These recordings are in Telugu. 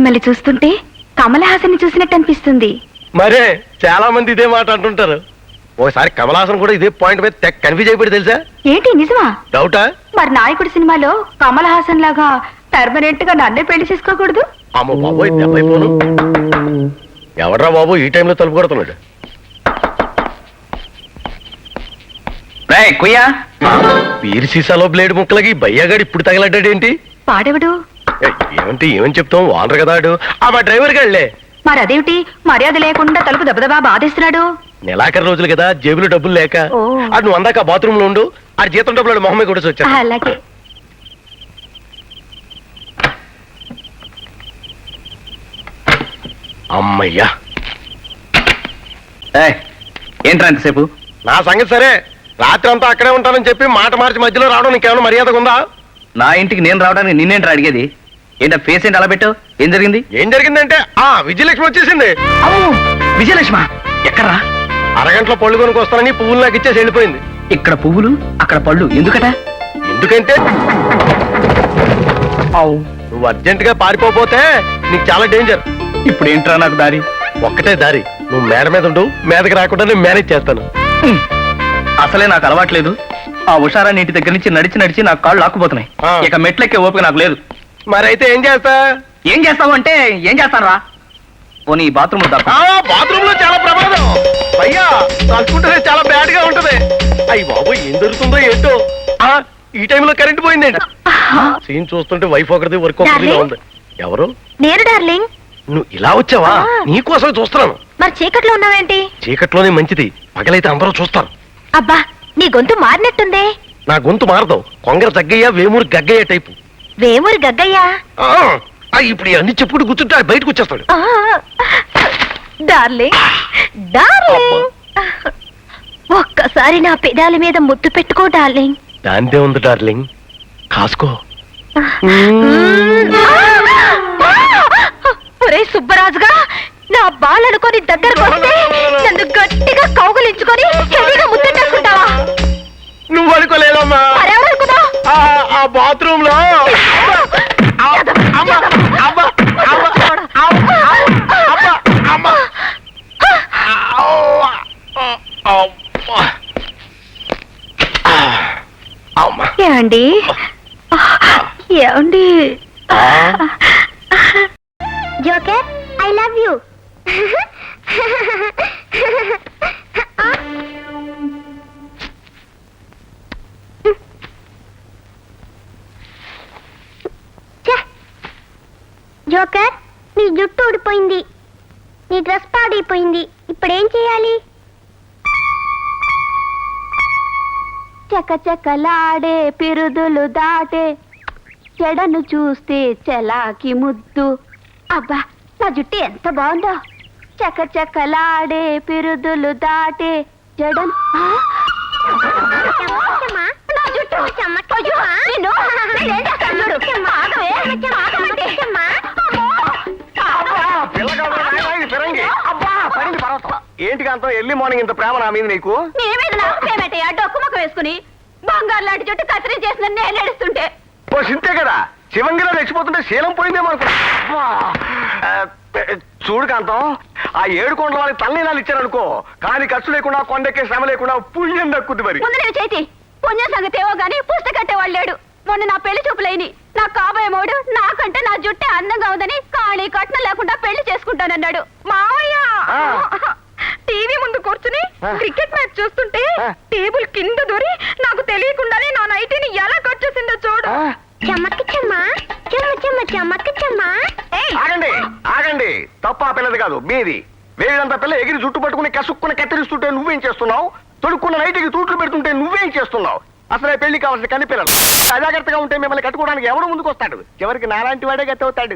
మిమ్మల్ని చూస్తుంటే కమల్ హాసన్ చూసినట్టు అనిపిస్తుంది. మరే చాలా మంది ఇదే మాట అంటుంటారు. ఓసారి కమల్ హాసన్ కూడా ఇదే పాయింట్ మీద తెగ కన్ఫ్యూజ్ అయిపోయి తెలుసా? ఏంటి నిజమా? డౌటా? మరి నాయకుడు సినిమాలో కమల్ హాసన్ లాగా పర్మనెంట్ గా నన్నే పెళ్లి చేసుకోకూడదు? అమ్మ బాబోయ్, దెబ్బైపోను. ఎవడ్రా బాబు ఈ టైంలో తలుపు కొడుతున్నాడు? వీరి సీసాలో బ్లేడ్ ముక్కలకి బయ్యగాడు ఇప్పుడు తగలడ్డాడేంటి? పాడెవడు? ఏమంటే ఏమని చెప్తాం, వానరు కదా ఆడు. మా డ్రైవర్ గాళ్లే. మరి అదేమిటి మర్యాద లేకుండా తలుపు దెబ్బదబా బాధేస్తున్నాడు? నెలాఖరు రోజులు కదా, జేబులో డబ్బులు లేక. ఆడు నువ్వు అందాక బాత్రూమ్ లో ఉండు, ఆడు జీతం డబ్బులు మొహమ్మే కూడా వచ్చా. అలాగే. అమ్మయ్యా. ఏంట్రా ఎంతసేపు? నా సంగతి సరే, రాత్రి అంతా అక్కడే ఉంటానని చెప్పి మాట మార్చి మధ్యలో రావడం నీకేమైనా మర్యాదగా ఉందా? నా ఇంటికి నేను రావడానికి నిన్నేంట్రా అడిగేది? ఏంటో ఫేస్ ఏంటి అలా పెట్టావు? ఏం జరిగింది? ఏం జరిగిందంటే విజయలక్ష్మి వచ్చేసింది. విజయలక్ష్మ ఎక్కడ్రా? అరగంటలో పళ్ళు కొనుక్కు వస్తానని పువ్వులు నాకు ఇచ్చేసి వెళ్ళిపోయింది. ఇక్కడ పువ్వులు అక్కడ పళ్ళు ఎందుకట? ఎందుకంటే నువ్వు అర్జెంట్ గా పారిపోతే నీకు చాలా డేంజర్. ఇప్పుడు ఏంట్రా నాకు దారి? ఒక్కటే దారి, నువ్వు మేడ మీద ఉండు, మీదకి రాకుండా నేను మేనేజ్ చేస్తాను. అసలే నాకు అలవాట్లేదు. ఆ ఉషారాన్ని ఇంటి దగ్గర నుంచి నడిచి నడిచి నాకు కాళ్ళు లాక్కుపోతున్నాయి. ఇక మెట్లెక్కే ఓపిక నాకు లేదు. మరైతే ఏం చేస్తా? ఏం చేస్తావు అంటే ఏం చేస్తాను రా. పోనీ బాత్రూమ్ బాత్రూమ్ లో చాలా ప్రమాదం అయ్యా, తలుచుకుంటే చాలా బ్యాడ్ గా ఉంటది. అయ్యి బాబు, ఏం జరుగుతుందో ఏంటో. ఈ టైంలో కరెంట్ పోయిందండి. సీన్ చూస్తుంటే వైఫ్ ఒకరిది వర్క్ ఒకరిదిగా ఉంది. ఎవరు? నేను డార్లింగ్. నువ్వు ఇలా వచ్చావా? నీకోసం చూస్తున్నాను. మరి చీకట్లో ఉన్నావేంటి? చీకట్లోనే మంచిది, పగలైతే అందరూ చూస్తారు. అబ్బా, నీ గొంతు మారినట్టుందే. నా గొంతు మారదు, కొంగర జగ్గయ్య వేమూరి గగ్గయ్య టైపు. వేమూరి గగ్గయ్యా? ఇప్పుడు అన్ని చెప్పుకుంటూ కూర్చుంటే బయటకు వచ్చేస్తాడు. డార్లింగ్, డార్లింగ్, ఒక్కసారి నా పెదాల మీద ముద్దు పెట్టుకో డార్లింగ్. దాందే ఉంది డార్లింగ్, కాసుకో. ఒరే సుబ్బరాజుగా, నా బాలనుకొని దగ్గరకు వస్తే నన్ను గట్టిగా కౌగులించుకొని హెవీగా ముద్దెట్టేసుకుంటావా? నువ్వు అనుకోలేదమ్మా. మరెవరనుకున్నా? ఆ బాత్రూమ్ లో ఏమండి, ఏమండి? Joker, I love you. Joker, నీ జుట్టు ఊడిపోయింది, నీ డ్రెస్ పాడైపోయింది, ఇప్పుడేం చేయాలి? చకచకలాడే పిరుదులు దాటే చెడను చూస్తే చలాకి ముద్దు. అబ్బా, నా జుట్టు ఎంత బాగుందో. చకచకలాడే పిరుదులు దాటే చెడను. నా జుట్టు ఏంటి కాంతం, ఎర్లీ మార్నింగ్ ఇంత ప్రేమ నా మీద నీకు? డొక్కు ముఖం వేసుకుని బంగారు లాంటి జుట్టు కత్తిరి చేసిన నేను నడుస్తుంటే సింతే కదా, శివంగిలో రెచ్చిపోతుంటే శీలం పోయిందేమో అనుకున్నా. చూడు కాంతం, ఆ 7 కొండల వాళ్ళకి తల్లినాలు ఇచ్చారనుకో, కానీ ఖర్చు లేకుండా కొండెక్కే శ్రమ లేకుండా పుణ్యం దక్కుద్ది. మరి ముందు నేను చేతి పుణ్యం సంగతి ఏవో గానీ పుస్తక కట్టేవాళ్ళు లేడు. మొన్న నా పెళ్లి చూపులైని నా కాబోయే మోడు నాకంటే నా జుట్టే అందంగా ఉందని కాళీ కట్నం లేకుండా పెళ్లి చేసుకుంటానన్నాడు. మావయ్య టీవీ ముందు కూర్చుని క్రికెట్ మ్యాచ్ చూస్తుంటే టేబుల్ కింద దూరి నాకు తెలియకుండానే నా నైటీని ఎలా కట్ చేసిందో చూడు. ఆగండి ఆగండి, తప్ప ఆ పిల్లది కాదు, మీది. వేడంతా పిల్ల ఎగిరి జుట్టు పట్టుకుని కసుక్కుని కత్తిరిస్తుంటే నువ్వేం చేస్తున్నావు? తొడుక్కున్న నైటికి తూట్లు పెడుతుంటే నువ్వేం చేస్తున్నావు? అసలే పెళ్లి కావాల్సిన కన్ని పిల్లలు అజాగ్రత్తగా ఉంటే మిమ్మల్ని కట్టుకోవడానికి ఎవడు ముందుకు వస్తాడు? చివరికి నాలాంటి వాడే గతి అవుతాడు.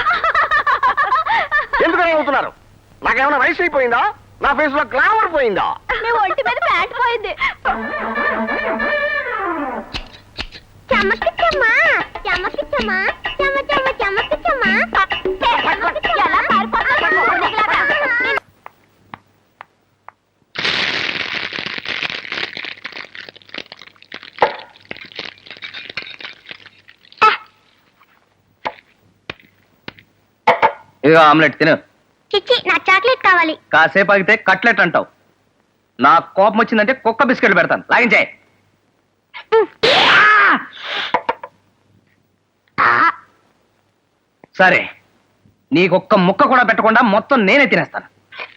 ఎందుకని అవుతున్నారు? నాకేమైనా వయసు అయిపోయిందా? నా ఫేస్ లో గ్లామర్ పోయిందా? ఒంటి మీద ప్యాంట్ పోయింది. ఇదిగో ఆమ్లెట్ తిను. చిచ్చి నా చాక్లెట్ కావాలి. కాసేపు ఆగితే కట్లెట్ అంటావు. నా కోపం వచ్చిందంటే కుక్క బిస్కెట్లు పెడతాను. లాగించాయి. సరే, నీకొక్క ముక్క కూడా పెట్టకుండా మొత్తం నేనే తినేస్తాను.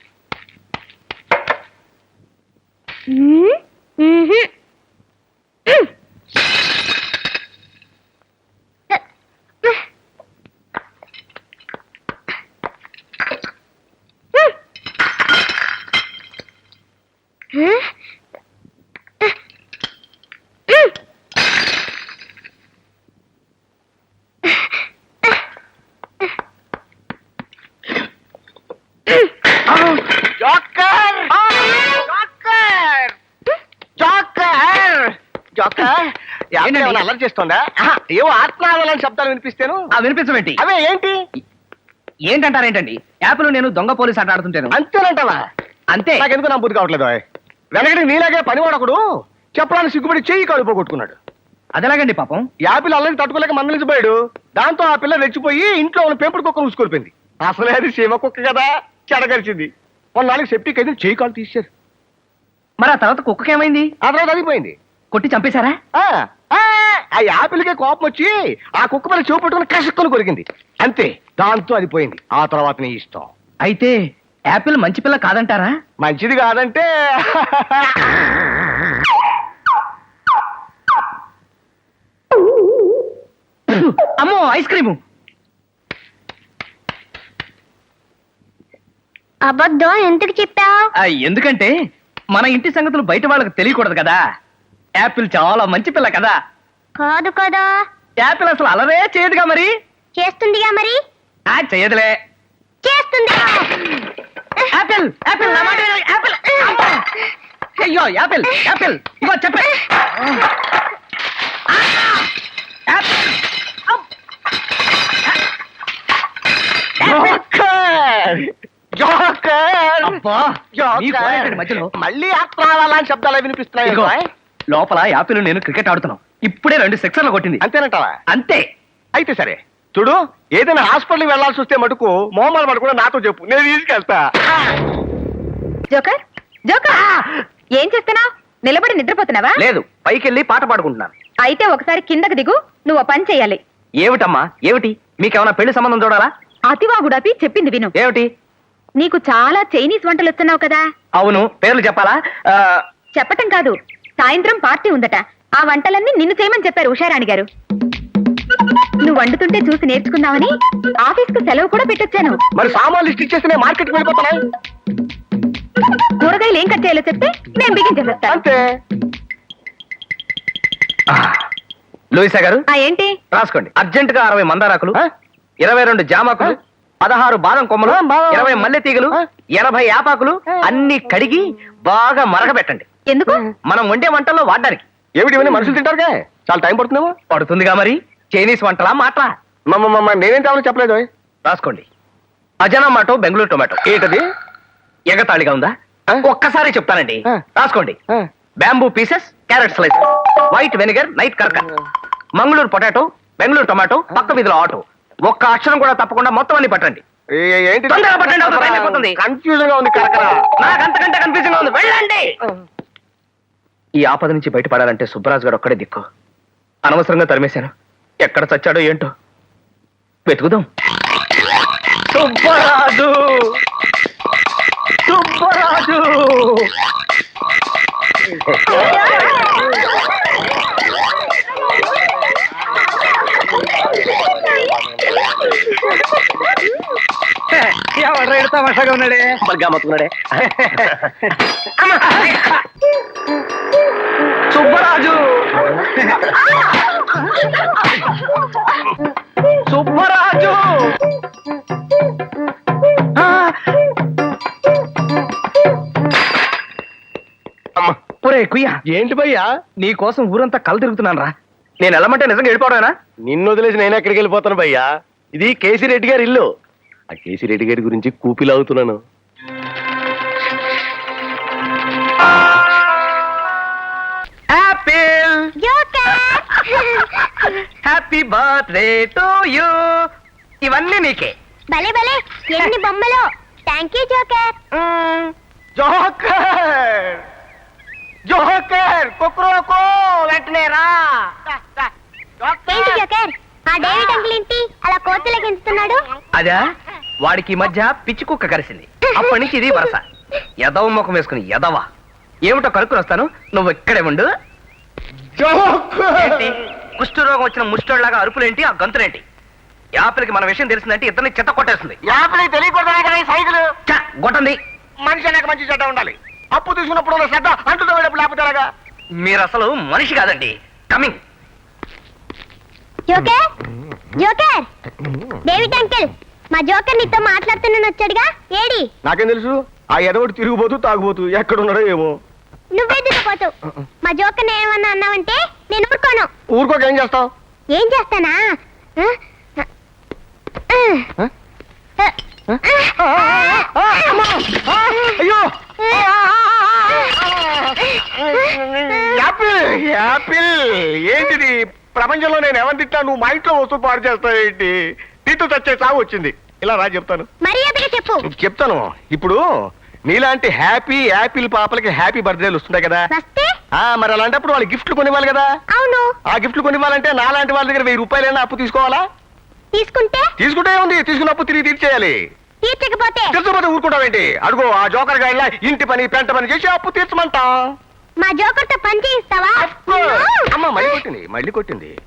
జోకర్ జోకర్ జోకర్ జోకర్ ఏంటండి? ఏమైనా అల్లరి చేస్తోందా? ఏవో ఆత్మావలని శబ్దాలు వినిపిస్తాను. వినిపించమేంటి? అవే ఏంటి? ఏంటంటారేంటండి? యాపిల్ నేను దొంగ పోలీస్ ఆట ఆడుతుంటాను. అంతేనంటావా? అంతే. నాకెందుకు నా బుద్ధి కావట్లేదు. వెనకటి నీలాగే పనివాడొకడు చెప్పడానికి సిగ్గుపడి చెయ్యి కాలు పోగొట్టుకున్నాడు. అదెలాగండి పాపం? యాపిల్ అల్లరి తట్టుకోలేక మందలించిపోయాడు. దాంతో ఆ పిల్ల రెచ్చిపోయి ఇంట్లో ఉన్న పెంపుడు కుక్కను ఊసుకొలిపింది. అసలే అది సీమ కుక్క కదా, చెడగరిచింది. కొన్నాళ్ళకి సెప్టిక్ అయితే చెయ్యి కాలు తీశారు. మరి ఆ తర్వాత కుక్కకేమైంది? ఆ తర్వాత అదిపోయింది. కొట్టి చంపేశారా? ఆ యాపిల్కే కోపం వచ్చి ఆ కుక్క మీద చెవు పట్టుకుని కసుక్కుని కొరికింది. అంతే, దాంతో అది పోయింది. ఆ తర్వాత నీ ఇష్టం. అయితే యాపిల్ మంచి పిల్ల కాదంటారా? మంచిది కాదంటే అమ్మో, ఐస్ క్రీము. అబద్ధం ఎందుకు చెప్పావు? ఎందుకంటే మన ఇంటి సంగతులు బయట వాళ్ళకి తెలియకూడదు కదా. యాపిల్ చాలా మంచి పిల్ల కదా. కాదు కదా. యాపిల్ అసలు అలరే చేయదుగా. మరి చేస్తుందిగా. మరి చేయదులే. చేస్తుంది. యాపిల్ యాపిల్ నా మాట విను. యాపిల్. అమ్మో. అయ్యో, యాపిల్ యాపిల్ ఇగో చెప్పే. జోకర్! జోకర్! అబ్బా, జోకర్! నీ గోడేంటండి మధ్యలో? మళ్ళీ ఆత్మాలని శబ్దాలు వినిపిస్తున్నాయి. ఇదిగో, లోపల యాపిల్ నేను క్రికెట్ ఆడుతున్నాం. ఇప్పుడే 2 సిక్సర్లు కొట్టింది. అంతేనంటావా? అంతే. అయితే సరే చూడు, ఏదైనా హాస్పిటల్కి వెళ్లాల్సి వస్తే మటుకు మొహమాలు పడకుండా నాతో చెప్పు, నేను తీసుకెళ్తా. జోకర్ జోకర్, ఏం చేస్తున్నావు? నిలబడి నిద్రపోతున్నావా? లేదు, పైకి వెళ్ళి పాట పాడుకుంటున్నాను. అయితే ఒకసారి కిందకి దిగు. నువ్వు పని చెయ్యాలి. ఏమిటమ్మా ఏమిటి? మీకేమైనా పెళ్లి సంబంధం చూడాలా? అతివాగుడాపి చెప్పింది విను. ఏమిటి? నీకు చాలా చైనీస్ వంటలు వస్తున్నావు కదా. అవును, పేర్లు చెప్పాలా? చెప్పటం కాదు, సాయంత్రం పార్టీ ఉందట. ఆ వంటలన్నీ నిన్ను చేయమని చెప్పారు ఉషారాణి గారు. నువ్వు వండుతుంటే చూసి నేర్చుకుందామని ఆఫీస్ కు సెలవు కూడా పెట్టొచ్చాను. మరి సామాన్లు లిస్ట్ ఇచ్చేస్తే నేను మార్కెట్కి వెళ్ళిపోతానా? కూరగాయలు ఏం కట్ చేయాలో చెప్తే నేను బిగించేసేస్తాను. అంతే. లూయిసా గారు ఏంటి? రాసుకోండి. అర్జెంట్ గా 60 మందారాకులు, ఆ? 22 జామాకులు, 16 బాదం కొమ్మలు, బాదం. 20 మల్లె తీగలు, 80 యాపాకులు అన్ని కడిగి బాగా మరగబెట్టండి. ఎందుకు? మనం వండే వంటల్లో వాడడానికి. ఏమిటి ఇవన్నీ మనుషులు తింటారుగా, చాలా టైం పడుతుందేమో. పడుతుందిగా. మరి చైనీస్ వంటలా మాట్లా? నేనేం కావాలో చెప్పలేదు. రాసుకోండి. అజనామాటో బెంగళూరు టొమాటో. ఏంటది? ఎగతాళిగా ఉందా? ఆ? ఒక్కసారి చెప్తానండి. ఆ. రాసుకోండి. Bamboo pieces, carrot slice, white vinegar, నైట్ కర్కర్, మంగళూరు పొటాటో, బెంగళూరు టొమాటో, పక్క వీధిలో ఆటో. ఒక్క అక్షరం కూడా తప్పకుండా మొత్తం అన్ని పట్టండి. ఏంటి? తొందరగా పట్టండి, అవతల టైం అయిపోతుంది. కన్ఫ్యూజన్ గా ఉంది. కరకరా. నాకు అంతకంటే కన్ఫ్యూజన్ గా ఉంది. వెళ్ళండి. ఈ ఆపద నుంచి బయటపడాలంటే సుబ్బరాజు గారు ఒక్కడే దిక్కు. అనవసరంగా తరిమేశాను. ఎక్కడ చచ్చాడో ఏంటో వెతుకుదాం. సుబ్బరాజు, సుబ్బరాజు. ఎవరు తమాషాగా ఉన్నాడే, గమ్మత్తున్నాడే. సుబ్బరాజు, సుబ్బరాజు. ఒరే కుయ్య, ఏంటి భయ్యా? నీ కోసం ఊరంతా కళ్ళు తిరుగుతున్నాను రా. నేను వెళ్ళమంటే నిజంగా వెళ్ళిపోవడమేనా? నిన్ను వదిలేసి నేను ఎక్కడికి వెళ్ళిపోతాను భయ్యా? ఇది కేసీ రెడ్డి గారి ఇల్లు. ఆ కేసీ రెడ్డి గారి గురించి కూపిలాగుతున్నాను. Apple, happy birthday to you. ఇవన్నీ నీకే. భలే భలే ఎన్ని బొమ్మలు. Thank you joker. Joker joker కుక్రోకో వెంటనే రా. ఏంటి జోకర్, ఆ డేవిడ్ అంకుల్ ఏంటి అలా కోతులకు ఎంచుతున్నాడు? అదా వాడికి ఈ మధ్య పిచ్చి కుక్క కరిసింది. అప్పటి నుంచి ఇది వరస. ఎదవ ముఖం వేసుకుని ఎదవా. ఏమిటో కనుక్కుని వస్తాను, నువ్వు ఇక్కడే ఉండు. ఏంటి కుష్ఠరోగం వచ్చిన ముష్టోళ్లాగా అరుపులేంటి, ఆ గంతులేంటి? యాపిల్కి మన విషయం తెలిసిందంటే ఇద్దరిని చెత్త కొట్టేస్తుంది. యాపిల్ తెలియకూడదనే కదా ఈ సైకిల్. ఛ, గొట్టంది. మనిషి అనేక మంచి చెడ్డ ఉండాలి. అప్పు తీసుకున్నప్పుడు ఉన్న శ్రద్ధ అంటుతో వెళ్ళప్పుడు లేకపోతేలాగా. మీరు అసలు మనిషి కాదండి. Coming. Joker joker, David uncle మా జోకర్ నీతో మాట్లాడుతున్నాను వచ్చాడుగా, ఏడి? నాకేం తెలుసు, ఆ ఎదవడు తిరిగిపోతూ తాగుపోతూ ఎక్కడున్నాడో ఏమో. నువ్వే దిగిపోతావు. మా జోకర్ ఏమన్నా అన్నావంటే నేను ఊరుకోను. ఊరుకోక ఏం చేస్తావు? ఏం చేస్తానా? అయ్యో యాపిల్ యాపిల్ ఏంటిది? ప్రపంచంలో నేను ఎవరిని తిట్టా, నువ్వు మా ఇంట్లో వస్తువు పాడు చేస్తావు ఏంటి? తిట్టు చచ్చే చావు వచ్చింది. ఇలా రా చెప్తాను. మర్యాదగా చెప్పు. చెప్తాను. ఇప్పుడు నీలాంటి హ్యాపీ యాపిల్ పాపలకి హ్యాపీ బర్త్డేలు వస్తున్నాయి కదా. వస్తే మరి అలాంటప్పుడు వాళ్ళు గిఫ్ట్లు కొనివ్వాలి కదా. అవును. ఆ గిఫ్ట్లు కొనివ్వాలంటే నాలాంటి వాళ్ళ దగ్గర 1000 రూపాయలైనా అప్పు తీసుకోవాలా? తీసుకుంటే తీసుకుంటే ఉంది, తీసుకున్న అప్పు తిరిగి తీర్చేయాలి. తీర్చకపోతే తీర్చకపోతే ఊరుకుంటావేంటి? అడుగు ఆ జోకర్ గాడిలా ఇంటి పని పెంట పని చేసి అప్పు తీర్చమంటాం. మా జోకర్తో పని చేయిస్తావా? అమ్మ మళ్ళీ కొట్టింది.